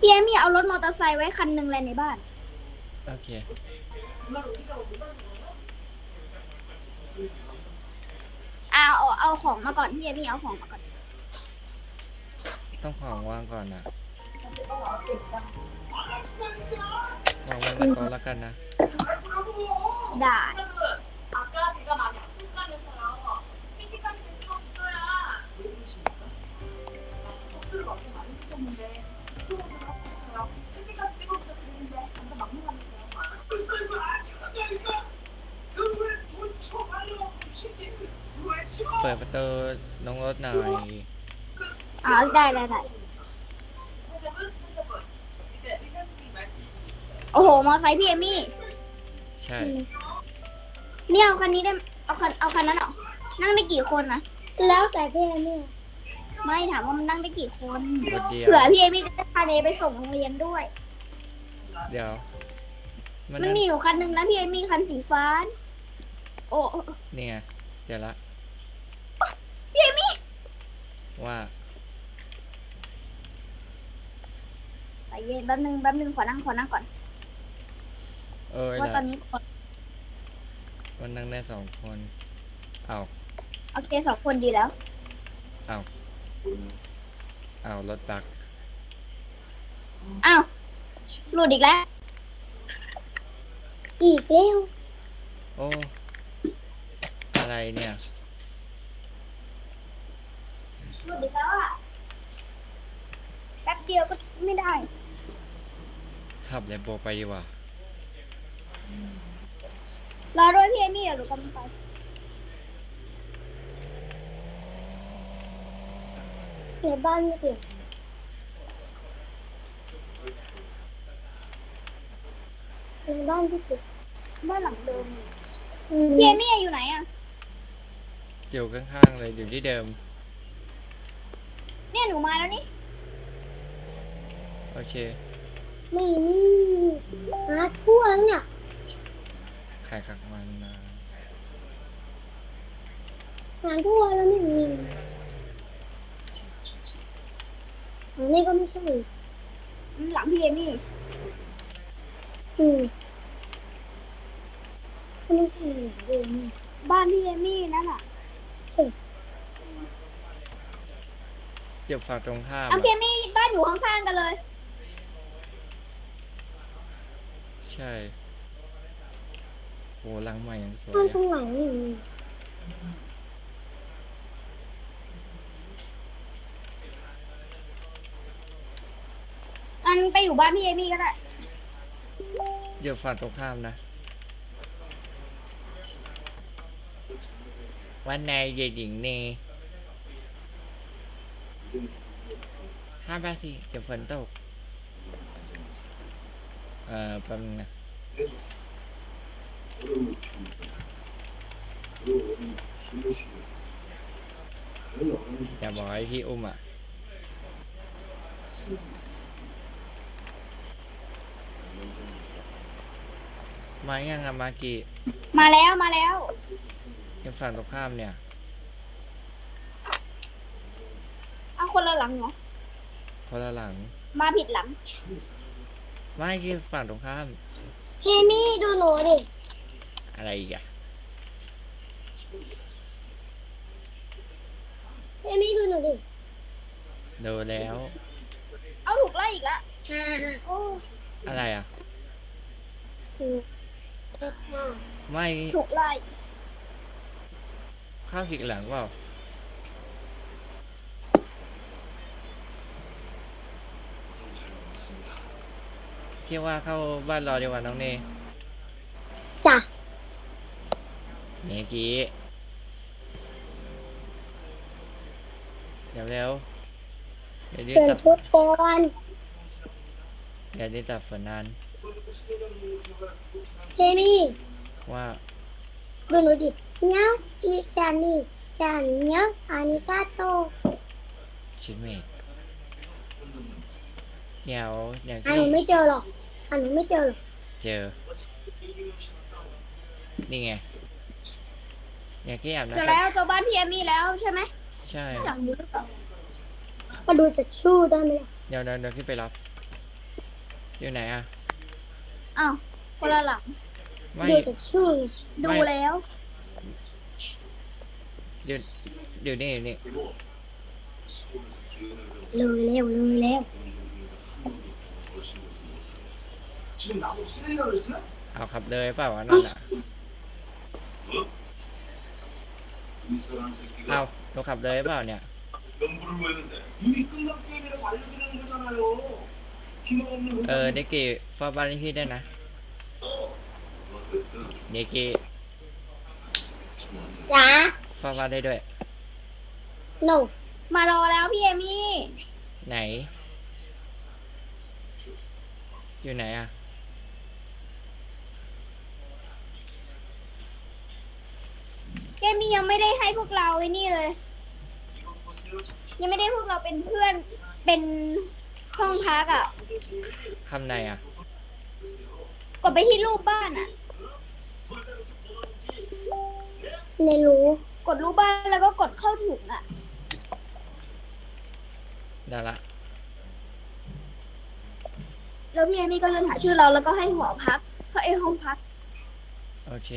พี่เอมี่เอารถมอเตอร์ไซค์ไว้คันหนึ่งเลยในบ้านโอเคเอาของมาก่อนพี่เอมี่เอาของมาก่อนต้องของวางก่อนนะวางไว้ในโต๊ะแล้วกันนะได้เปิดประตูน้องรถหน่อยได้โอ้โหมอไซค์พี่เอมี่ใช่เนี่ยเอาคันนี้ได้เอาคันนั้นเหรอนั่งได้กี่คนนะแล้วแต่พี่เอมี่ไม่ถามว่ามันนั่งได้กี่คนรถเดียวเผื่อพี่เอมี่จะได้พาเนไปส่งโรงเรียนด้วยเดี๋ยวมันมีอยู่คันหนึ่งนะพี่เอมี่คันสีฟ้า โอ้นี่ไงเดี๋ยวละพี่เอมี่ว่าใจเย็นแป๊บนึงขอนั่งก่อนเอ้ยว่าตอนะนนี้มันนั่งได้2 คนเอาโอเค2 คนดีแล้วเอารถบักอ้าวหลุดอีกแล้วอีกแล้วโอ้อะไรเนี่ยหลุดอีกแล้วอ่ะแป๊บเดียวก็ไม่ได้ขับแลมโบไปดีกว่ารอด้วยพี่เอมี่เดี๋ยวหนูกำลังไปในบ้านไม่เปลี่ยนในบ้านพี่เปลี่ยนบ้านหลังเดิมนี่อืมพี่เอมี่อยู่ไหนอ่ะอยู่ข้างๆเลยอยู่ที่เดิมเนี่ยหนูมาแล้วนี่โอเคไม่มีหาทั่วแล้วเนี่ยขายขักมันนะหาทั่วแล้วไม่มีอันนี้ก็ไม่ใช่หลังพี่เอมี่อืมก็ไม่ใช่หาเลยนี่บ้านพี่เอมี่นั่นอ่ะเดี๋ยวฝั่งตรงข้ามพี่เอมี่บ้านอยู่ข้างๆกันเลยใช่โหหลังใหม่ยังสวยบ้านอะข้างหลังนี่มีอันไปอยู่บ้านพี่เอมี่ก็ได้เดี๋ยวฝั่งตรงข้ามนะวันนายเย็นหญิงเนห้ามไปสิเดี๋ยวฝนตกแป๊บนึงนะอย่าบอกให้พี่อุ้มอ่ะมายังอะมากี่มาแล้วยังฝั่งตรงข้ามเนี่ยเอาคนละหลังเหรอคนละหลังมาผิดหลังไม่ที่ฝั่งตรงข้ามพี่เอมี่ดูหนูดิอะไรอีกอะพี่เอมี่ดูหนูดิดูแล้วเอาถูกไล่อีกแล้วโอ้อะไรอะถือเอสห้าไม่ถูกไล่เข้าผิดหลังเปล่าคิดว่าเข้าบ้านรอดีกว่าน้องเนจ้ะเมื่อกี้เร็วเดี๋ยวนี้เปลี่ยนตับชุดก่อนเดี๋ยวนี้ตับฝนนานพี่เอมี่ว่าดูหนูดิเนี้ยอีฉันนี่ฉันเนี้ยอานิกาโตชิดเมดเดี๋ยวอย่างหาที่หนูไม่เจอหรอกหาหนูไม่เจอหรอกเจอ นี่ไงอย่างที่อาบเจอน้ำแล้วเจอบ้านพี่เอมี่แล้วใช่ไหมใช่หลังนี้หรือเปล่าก็ดูจะชู้ได้ไหมล่ะเดี๋ยวพี่ไปรับอยู่ไหนอ่ะอ้าวคนละหลังไม่ดูจากชื่อดูแล้วอยู่อยู่นี่นี่เลยแล้วเลยแล้ว 지금 나보고 쓰레기라고 그랬어요? เอาขับเลยเปล่าวะนั่นอ่ะ 이사라는 เอา 새끼가 หนูขับเลยเปล่าเนี่ย 연부를 모였는데 이미 끝난 게임이라고 알려드리는 거잖아요. 희망 없는 เด็กกี้เฝ้าบ้านเลขที่ได้นะ 누가 그랬든 เด็กกี้ 중요한 จ้าเฝ้าบ้านได้ด้วยโนมารอแล้วพี่เอมี่ไหน อยู่ไหนอ่ะพี่เอมี่ยังไม่ได้ให้พวกเราไอ้นี่เลย 이거 보세요. ยังไม่ได้พวกเราเป็นเพื่อนเป็นห้องพักอ่ะคำไหนอ่ะกดไปที่รูปบ้านอ่ะเรียนรู้กดรูปบ้านแล้วก็กดเข้าถุงอ่ะได้ละแล้วพี่เอมี่ก็เลื่อนหาชื่อเราแล้วก็ให้หอพักห้องพักโอเค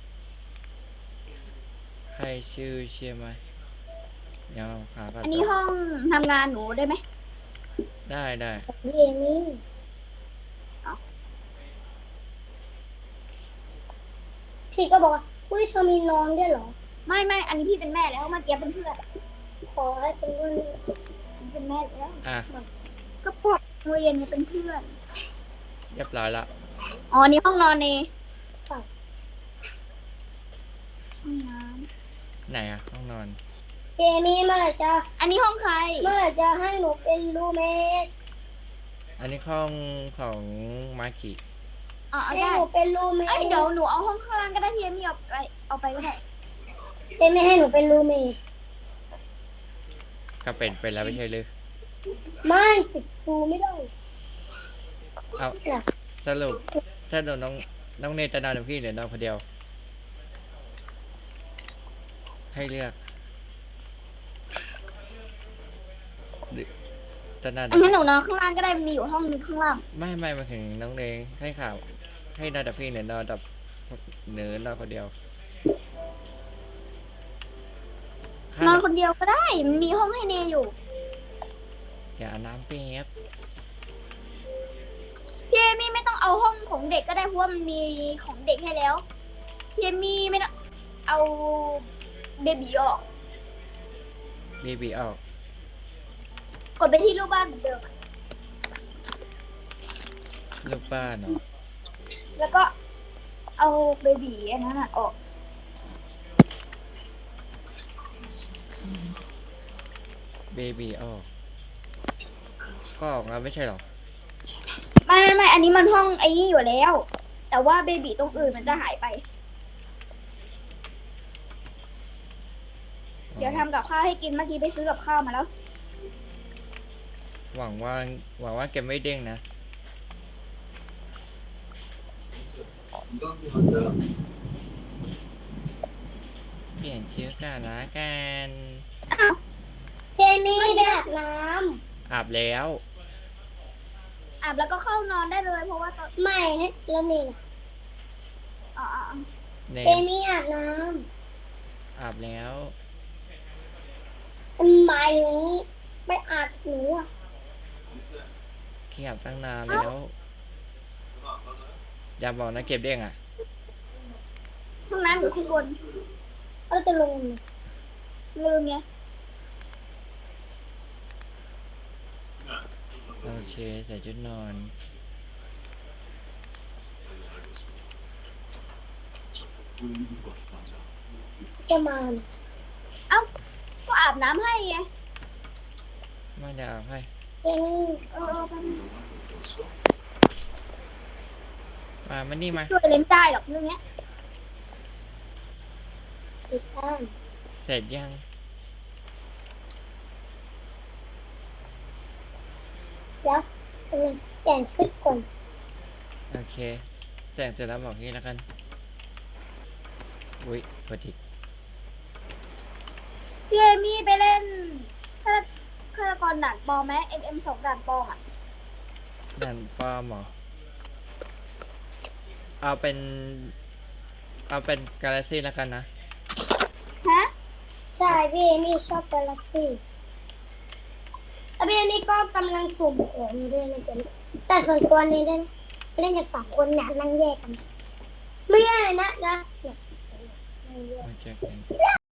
ให้ชื่อเชื่อไหมเดี๋ยวหาก่อนอันนี้ห้องทำงานหนูได้ไหมได้ได้พี่เอมี่พี่ก็บอกว่าอุ้ยเธอมีน้องด้วยเหรอไม่อันนี้พี่เป็นแม่แล้วเมื่อกี้เป็นเพื่อนขอให้เป็นรุ่นเป็นแม่แล้วอ่ะก็พวกเรียนเนี่ยเป็นเพื่อนเรียบร้อยละอ๋อนี่ห้องนอนเนค่ะห้องน้ไหนอ่ะ ห้องนอนเอมี่เมื่อไหร่จะำอันนี้ห้องใครเมื่อไหร่จะให้หนูเป็นรูเมทอันนี้ห้องของมากิอ๋อเอาให้ได้หนูเป็นรูเมทเอ้ยเดี๋ยวหนูเอาห้องข้างล่างก็ได้พี่เอมี่เอาไปก็ได้เอมี่ให้หนูเป็นรูเมทก็เป็นแล้วไม่ใช่หรือไม่ติดรูไม่ได้เอาน่ะสรุปถ้าโดนน้องเนยจะนอนกับพี่หรือนอนคนเดียว ให้เลือกหรือจะนอนงั้นหนูนอนข้างล่างก็ได้มีอยู่ห้องนึงข้างล่างไม่มาถึงน้องเนยให้ข่าว ให้นอนกับพี่หรือนอนกับนอนคนเดียวนอนคนเดียวก็ได้มีห้องให้เนยอยู่อย่าอาบน้ำเปียบพี่เอมี่ไม่ต้องเอาห้องของเด็กก็ได้เพราะว่ามันมีของเด็กให้แล้วพี่เอมี่ไม่ต้องเอาเบบีออกบีออกกดไปที่รูปบ้านเหมือนเดิมอะลูกบ้านเนาะแล้วก็เอาเบบีอันนั้นอะออกบีออกก็ออกแล้วไม่ใช่หรอไม่อันนี้มันห้องไอ้นี่อยู่แล้ว แต่ว่าเบบีตรงอื่นมันจะหายไป เดี๋ยวทำกับข้าวให้กินเมื่อกี้ไปซื้อกับข้าวมาแล้วหวังว่าเกมไม่เด้งนะ 이강도 맞아. เปลี่ยนชื่อกันละกันเอมี่ได้อาบน้อาบแล้วอาบแล้วก็เข้านอนได้เลยเพราะว่าตอนำไม่ให้แล้วนี่นะอ๋อเนเอมมี่อาบน้อาบแล้วำหมายถึงไปอาบหนูอ่ะขี้อาบตั้งนานแล้วอย่าบอกนะเก็บเด้งอ่ะห้องน้ำอยู่ข้างบนเราจะลงไหมลืมไงโอเคใส่ชุดนอน 보이는 것 맞아. จะมาเอ้าก็อาบน้ำให้ไงไม่ได้อาบให้เอมี่ไปบนึงมันนี่มาช่วยเล่นได้หรอกเรื่องเนี้ยติดตั้งเสร็จยังแล้วเป็นเปลี่ยนชุดก่อนโอเคแต่งเสร็จแล้วบอกงี้แล้วกัน อุ้ยพอดีพี่เอมี่ไปเล่นฆาตกรด่านปลอมไหม MM2 ด่านปลอมอ่ะนั่นป้อมเหรอเอาเป็นกาแล็กซี่แล้วกันนะฮะใช่พี่เอมี่ชอบกาแล็กซี่พี่เอมี่ก็กำลังสุ่มของอยู่ด้วยนะเจ๊แต่ส่วนตัวนี้ได้ไหมเล่นกับ2 คนเนี่ยนั่งแยกกัน ไม่ได้เลยนะเนี่ยนั่งแยกโอเค